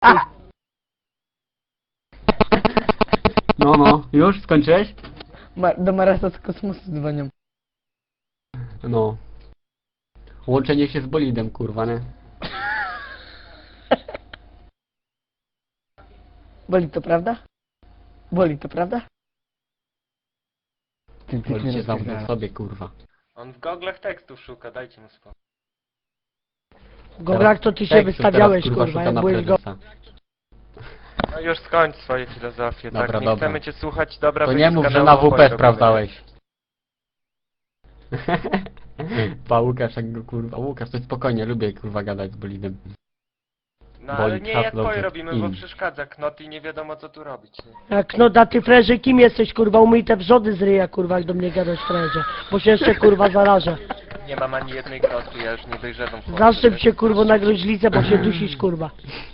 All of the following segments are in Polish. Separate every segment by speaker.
Speaker 1: No, już skończyłeś?
Speaker 2: Do Marasa z kosmosu dzwonią.
Speaker 1: No. Łączenie się z bolidem, kurwa, nie?
Speaker 2: Boli to prawda? Boli to prawda?
Speaker 1: Bolid się zamknął w sobie, kurwa.
Speaker 3: On w goglach tekstów szuka, dajcie mu spokój.
Speaker 2: W goglach to ty się
Speaker 1: Tekstu
Speaker 2: wystawiałeś,
Speaker 1: teraz,
Speaker 2: kurwa,
Speaker 1: szuka
Speaker 2: jak
Speaker 1: na
Speaker 2: byłeś go...
Speaker 1: prezesa.
Speaker 3: No już skończ swoje filozofie,
Speaker 1: Dobra,
Speaker 3: tak? Nie
Speaker 1: dobra.
Speaker 3: chcemy cię słuchać, dobra,
Speaker 1: To
Speaker 3: wyjdź
Speaker 1: nie
Speaker 3: z
Speaker 1: mów, że
Speaker 3: kanału,
Speaker 1: na
Speaker 3: opowiem
Speaker 1: WP
Speaker 3: o
Speaker 1: sprawdzałeś. Pa Łukasz, jak go kurwa. Łukasz, to spokojnie, lubię kurwa gadać z bolidem.
Speaker 3: No ale
Speaker 1: Bolid,
Speaker 3: nie jak
Speaker 1: haslowy,
Speaker 3: twoje robimy, bo
Speaker 1: in.
Speaker 3: przeszkadza knot i nie wiadomo co tu robić. Nie?
Speaker 2: Jak no da ty freże, kim jesteś, kurwa? Umyj te wrzody z ryja, kurwa, jak do mnie gadasz freże. Bo się jeszcze, kurwa, zarażę.
Speaker 3: Nie mam ani jednej kostki, ja już nie dojrzewam chłopcy.
Speaker 2: Zaszczep się, kurwo, na gruźlicę, bo się dusisz, kurwa.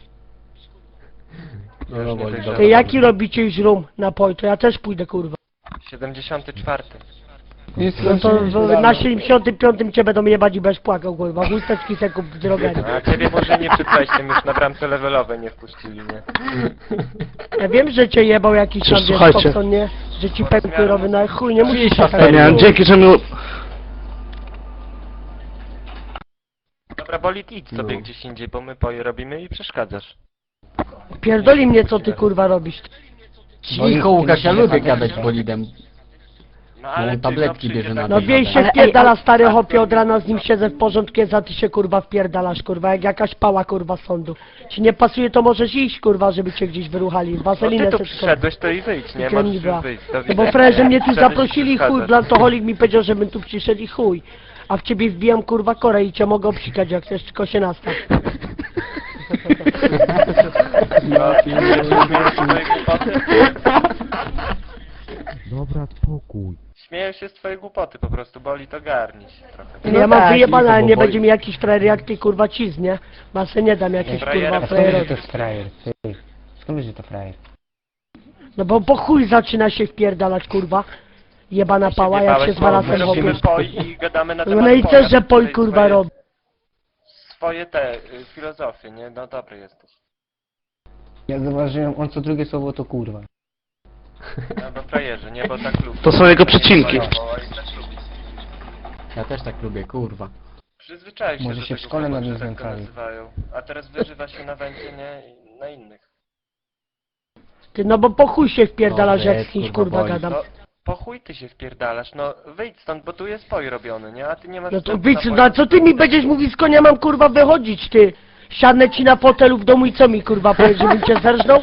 Speaker 1: No, bolid,
Speaker 3: Ty,
Speaker 1: dobra.
Speaker 2: Ty jaki robicie źrum napoj, to ja też pójdę, kurwa.
Speaker 3: 74.
Speaker 2: No to na 75 cię będą jebać i będziesz płakał, kurwa. Chusteczki se kup w drogerii.
Speaker 3: A ciebie może nie przed wejściem, już na bramce levelowej nie wpuścili, nie?
Speaker 2: Ja wiem, że cię jebał jakiś tam, wiesz,
Speaker 4: Słuchajcie.
Speaker 2: Popson, nie? Że ci pękły robię, no ale chuj, nie musisz
Speaker 1: Cisza,
Speaker 2: tak.
Speaker 1: serio.
Speaker 4: Nie, dzięki, że mi...
Speaker 3: Dobra, Bolid, idź sobie
Speaker 1: No.
Speaker 3: gdzieś indziej, bo my poje robimy i przeszkadzasz.
Speaker 2: Pierdoli mnie, co ty, kurwa, robisz.
Speaker 1: Cicho, Łukasz, ja lubię gadać z bolidem.
Speaker 3: No
Speaker 1: on tabletki
Speaker 3: przyjdzie
Speaker 1: bierze na
Speaker 3: tak-
Speaker 2: No
Speaker 1: to.
Speaker 2: wiej się wpierdala, stary hopie, od rana z nim siedzę w porządku, za ty się, kurwa, wpierdalasz, kurwa, jak jakaś pała, kurwa, z sądu. Ci nie pasuje, to możesz iść, kurwa, żeby cię gdzieś wyruchali.
Speaker 3: No
Speaker 2: Waselinę
Speaker 3: ty tu
Speaker 2: se
Speaker 3: przyszedłeś, to i wyjdź, nie? Możesz już wyjść. Do
Speaker 2: No bo
Speaker 3: widzenia.
Speaker 2: freże mnie tu
Speaker 3: Przyszedłeś i
Speaker 2: zaprosili, chuj,
Speaker 3: przeszkadzasz.
Speaker 2: blantoholik mi powiedział, żebym tu przyszedł i chuj. A w ciebie wbijam, kurwa, korę i cię mogę obsikać, jak chcesz, tylko się nastaw.
Speaker 3: No, śmiejesz się z twojej głupoty?
Speaker 5: Dobra, spokój.
Speaker 3: Śmieję się z twojej głupoty po prostu, boli to garni się trochę.
Speaker 2: No ja mam
Speaker 1: tak,
Speaker 2: wyjebane,
Speaker 1: tylko
Speaker 2: ale nie
Speaker 1: bo
Speaker 2: będzie
Speaker 1: boi.
Speaker 2: mi jakiś frajer jak ty, kurwa, ciz, nie? Bo ja se nie dam jakiś,
Speaker 3: Frajera,
Speaker 2: kurwa,
Speaker 3: skąd wiesz,
Speaker 2: frajerowi.
Speaker 3: że to jest
Speaker 5: frajer? Ty, skąd wiesz, że to frajer?
Speaker 2: No bo po chuj zaczyna się wpierdalać, kurwa. Jebana pała, jak się z Marasem
Speaker 3: robimy
Speaker 2: hopie.
Speaker 3: poj i gadamy na temat
Speaker 2: No i
Speaker 3: poja,
Speaker 2: też, że poj,
Speaker 3: tutaj
Speaker 2: kurwa,
Speaker 3: swoje-
Speaker 2: robi.
Speaker 3: Swoje te filozofie, nie? No dobry jesteś.
Speaker 5: Ja zauważyłem, on co drugie słowo to kurwa.
Speaker 3: No bo frajerzy, nie? Bo tak lubię.
Speaker 4: To są jego przecinki.
Speaker 1: Ja też tak lubię, kurwa.
Speaker 3: Przyzwyczaił się
Speaker 5: Może
Speaker 3: do
Speaker 5: się w
Speaker 3: tego
Speaker 5: szkole
Speaker 3: słowa,
Speaker 5: nad nim
Speaker 3: że tak go
Speaker 5: znęcali.
Speaker 3: nazywają. A teraz wyżywa się na wędzie, nie? I na innych.
Speaker 2: Ty, no bo po chuj się wpierdalasz,
Speaker 1: Dobrze,
Speaker 2: jak z kimś,
Speaker 1: kurwa,
Speaker 2: kurwa,
Speaker 1: boli.
Speaker 2: gadam.
Speaker 3: No, po chuj ty się wpierdalasz, no wyjdź stąd, bo tu jest poj robiony, nie? A ty nie masz...
Speaker 2: No to
Speaker 3: wstępu
Speaker 2: widz,
Speaker 3: na
Speaker 2: no a co ty mi będziesz mówić, z konia mam, kurwa, wychodzić, ty? Siadnę ci na fotelu w domu i co mi, kurwa, powiesz, żebym cię zerżnął?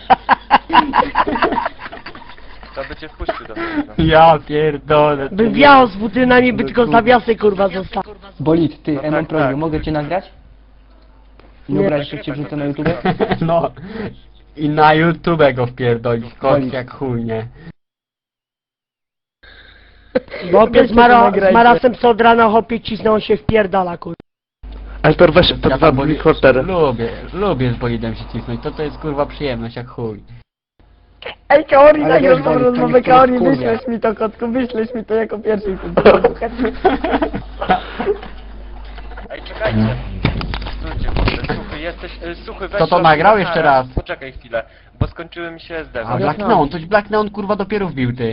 Speaker 3: To by cię wpuścił do mnie.
Speaker 1: Ja pierdolę.
Speaker 2: Bym wiał z butynami, by tylko zawiasy, kurwa, został.
Speaker 5: Bolid, ty,
Speaker 3: No
Speaker 5: Emon
Speaker 3: tak,
Speaker 5: prośbę,
Speaker 3: tak.
Speaker 5: mogę cię nagrać? Nie
Speaker 2: Nie.
Speaker 5: obrazisz, jak cię wrzucę na YouTube?
Speaker 1: No. I na YouTube go wpierdolić, kot
Speaker 5: Bolid.
Speaker 1: jak chuj, nie?
Speaker 2: Hopie z Marasem co od rana, hopie cisnął, on się wpierdala, kurwa.
Speaker 4: Alper, weź te
Speaker 1: Ja
Speaker 4: dwa
Speaker 1: tam
Speaker 4: rekordery.
Speaker 1: lubię z bolidem się cisnąć, to jest kurwa przyjemność jak chuj.
Speaker 2: Ej, Kaori,
Speaker 5: Ale
Speaker 2: nagrał
Speaker 5: wiesz,
Speaker 2: tą
Speaker 5: Wojtek,
Speaker 2: rozmowę,
Speaker 5: to nie
Speaker 2: Kaori,
Speaker 5: wkurwia.
Speaker 2: wyślesz mi to, kotku, wyślesz mi to jako pierwszy.
Speaker 3: Ej, czekajcie. Stójcie, kurde, suchy, jesteś... Suchy, weź...
Speaker 1: Kto to
Speaker 3: robię
Speaker 1: nagrał?
Speaker 3: na
Speaker 1: Jeszcze
Speaker 3: karę.
Speaker 1: raz.
Speaker 3: Poczekaj chwilę, bo skończyły mi się SD.
Speaker 1: A Black Neon, coś Black Neon kurwa dopiero wbił ty.